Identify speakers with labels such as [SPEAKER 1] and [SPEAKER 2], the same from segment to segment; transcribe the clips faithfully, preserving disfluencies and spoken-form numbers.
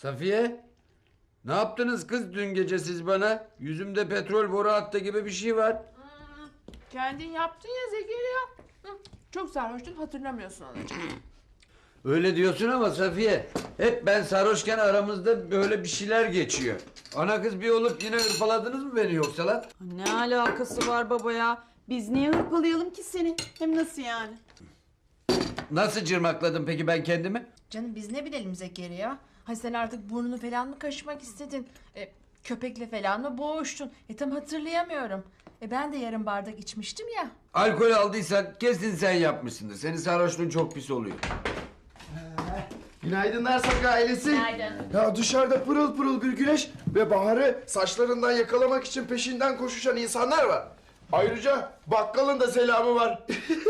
[SPEAKER 1] Safiye, ne yaptınız kız dün gece siz bana? Yüzümde petrol boru hattı gibi bir şey var.
[SPEAKER 2] Hmm, kendin yaptın ya Zekeriya. Hı, çok sarhoştun, hatırlamıyorsun anacığım.
[SPEAKER 1] Öyle diyorsun ama Safiye, hep ben sarhoşken aramızda böyle bir şeyler geçiyor. Ana kız bir olup yine hırpaladınız mı beni yoksa lan?
[SPEAKER 3] Ne alakası var baba ya? Biz niye hırpalayalım ki seni? Hem nasıl yani?
[SPEAKER 1] Nasıl cırmakladım peki ben kendimi?
[SPEAKER 2] Canım biz ne bilelim Zekeriya? Hay sen artık burnunu falan mı kaşımak istedin? E, köpekle falan mı boğuştun? E tam hatırlayamıyorum. E ben de yarım bardak içmiştim ya.
[SPEAKER 1] Alkol aldıysan kesin sen yapmışsındır. Senin sarhoşluğun çok pis oluyor.
[SPEAKER 4] Günaydınlar Saka ailesi.
[SPEAKER 2] Günaydın.
[SPEAKER 4] Ya dışarıda pırıl pırıl bir güneş ve Bahar'ı saçlarından yakalamak için peşinden koşuşan insanlar var. Ayrıca bakkalın da selamı var.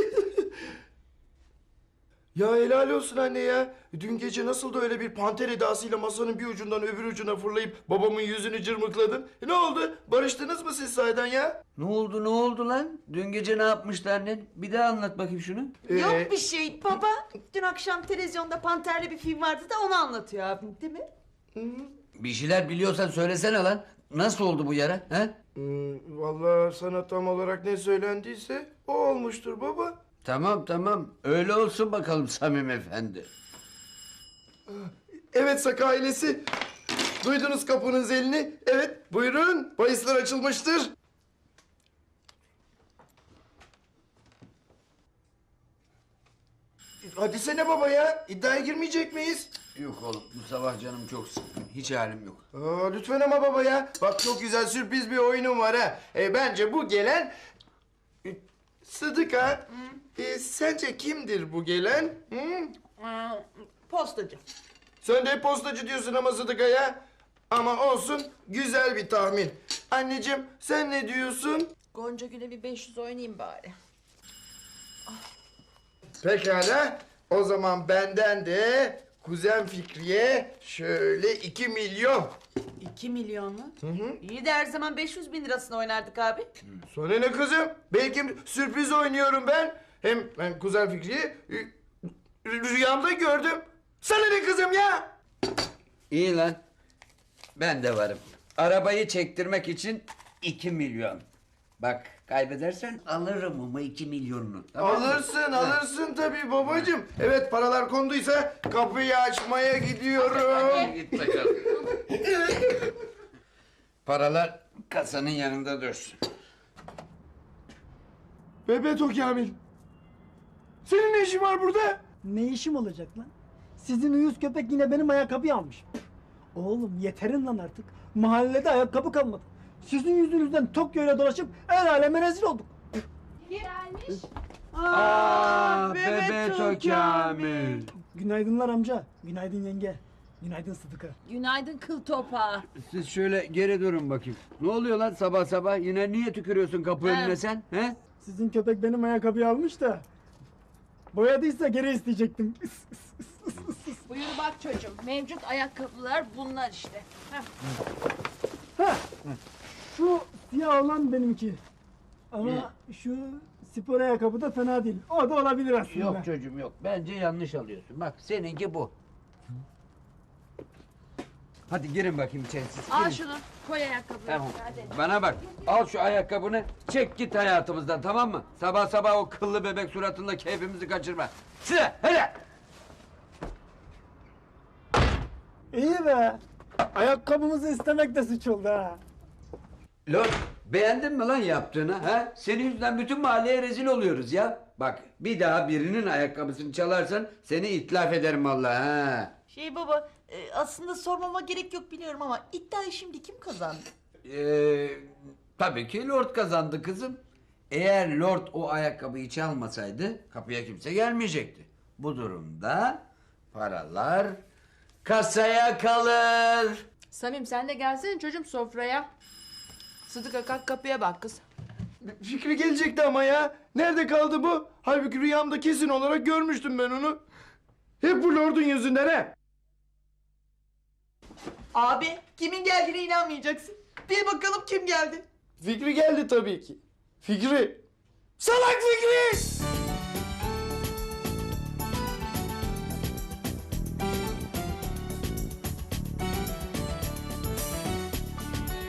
[SPEAKER 4] Ya helal olsun anne ya. Dün gece nasıl da öyle bir panter edasıyla masanın bir ucundan öbür ucuna fırlayıp babamın yüzünü cırmıkladın. E ne oldu? Barıştınız mı siz sahiden ya?
[SPEAKER 1] Ne oldu ne oldu lan? Dün gece ne yapmıştı annen? Bir daha anlat bakayım şunu.
[SPEAKER 4] Ee,
[SPEAKER 3] Yok bir şey baba. Dün akşam televizyonda Panter'li bir film vardı da onu anlatıyor abim değil mi?
[SPEAKER 1] Bir şeyler biliyorsan söylesene lan. Nasıl oldu bu yara? He?
[SPEAKER 4] Hmm, vallahi sana tam olarak ne söylendiyse o olmuştur baba.
[SPEAKER 1] Tamam tamam. Öyle olsun bakalım Samim Efendi.
[SPEAKER 4] Evet Saka ailesi. Duydunuz kapının zilini. Evet buyurun. Bahisler açılmıştır. Hadi sene baba ya. İddiaya girmeyecek miyiz?
[SPEAKER 1] Yok oğlum bu sabah canım çok sıkkın. Hiç halim yok.
[SPEAKER 4] Aa, lütfen ama baba ya. Bak çok güzel sürpriz bir oyunum var ha. E, bence bu gelen... E, Sıdıka. E, sence kimdir bu gelen? Hı?
[SPEAKER 3] Postacı.
[SPEAKER 4] Sen de hep postacı diyorsun ama Sıdıka ya. Ama olsun güzel bir tahmin. Anneciğim sen ne diyorsun?
[SPEAKER 2] Gonca Gül'e bir beş yüz oynayayım bari.
[SPEAKER 4] Pekala. O zaman benden de kuzen Fikriye şöyle iki milyon.
[SPEAKER 3] İki milyon mu?
[SPEAKER 4] Hı hı.
[SPEAKER 3] İyi de her zaman beş yüz bin lirasını oynardık abi.
[SPEAKER 4] Sonra ne kızım? Belki sürpriz oynuyorum ben. Hem ben kuzen Fikri'yi e, rüyamda gördüm. Sana ne kızım ya?
[SPEAKER 1] İyi lan. Ben de varım. Arabayı çektirmek için iki milyon. Bak kaybedersen alırım ama iki milyonunu. Tamam mı?
[SPEAKER 4] Alırsın, alırsın tabii babacığım. Evet paralar konduysa kapıyı açmaya gidiyorum.
[SPEAKER 1] Git bakalım. Paralar kasanın yanında dursun.
[SPEAKER 4] Bebeto Kamil. Senin ne işin var burada?
[SPEAKER 5] Ne işim olacak lan? Sizin uyuz köpek yine benim ayakkabıyı almış. Oğlum yeterin lan artık. Mahallede ayakkabı kalmadı. Sizin yüzünüzden Tokyo'yla dolaşıp el aleme rezil olduk.
[SPEAKER 2] Gelmiş.
[SPEAKER 1] Aa, Bebeto Kamil.
[SPEAKER 5] Günaydınlar amca. Günaydın yenge. Günaydın Sıdıka.
[SPEAKER 3] Günaydın kıl topağı.
[SPEAKER 1] Siz şöyle geri durun bakayım. Ne oluyor lan sabah sabah? Yine niye tükürüyorsun kapı önüne sen? He?
[SPEAKER 5] Sizin köpek benim ayakkabıyı almış da. Boyadıysa geri isteyecektim.
[SPEAKER 2] Buyur bak çocuğum. Mevcut ayakkabılar bunlar işte. Heh.
[SPEAKER 5] Ha, şu siyah olan benimki. Ama şu spor ayakkabı da fena değil. O da olabilir aslında.
[SPEAKER 1] Yok çocuğum yok. Bence yanlış alıyorsun. Bak seninki bu. Hadi girin bakayım içeri siz.
[SPEAKER 2] Al
[SPEAKER 1] girin.
[SPEAKER 2] şunu. Koy ayakkabıları.
[SPEAKER 1] Tamam.
[SPEAKER 2] Hadi.
[SPEAKER 1] Bana bak. Al şu ayakkabını. Çek git hayatımızdan tamam mı? Sabah sabah o kıllı bebek suratında keyfimizi kaçırma. Size hele.
[SPEAKER 5] İyi be. Ayakkabımızı istemek de suç oldu ha.
[SPEAKER 1] Lord beğendin mi lan yaptığını ha? Senin yüzünden bütün mahalleye rezil oluyoruz ya. Bak bir daha birinin ayakkabısını çalarsan seni itlaf ederim vallahi ha.
[SPEAKER 3] Şey baba e, aslında sormama gerek yok biliyorum ama iddiayı şimdi kim kazandı?
[SPEAKER 1] Ee, tabii ki Lord kazandı kızım. Eğer Lord o ayakkabıyı çalmasaydı kapıya kimse gelmeyecekti. Bu durumda paralar kasaya kalır.
[SPEAKER 2] Samim sen de gelsene çocuğum sofraya. Sıdıka kalk kapıya bak kız.
[SPEAKER 4] Fikri gelecekti ama ya. Nerede kaldı bu? Halbuki rüyamda kesin olarak görmüştüm ben onu. Hep bu lordun yüzünden he.
[SPEAKER 3] Abi kimin geldiğine inanmayacaksın. Bil bakalım kim geldi.
[SPEAKER 4] Fikri geldi tabii ki. Fikri. Salak Fikri!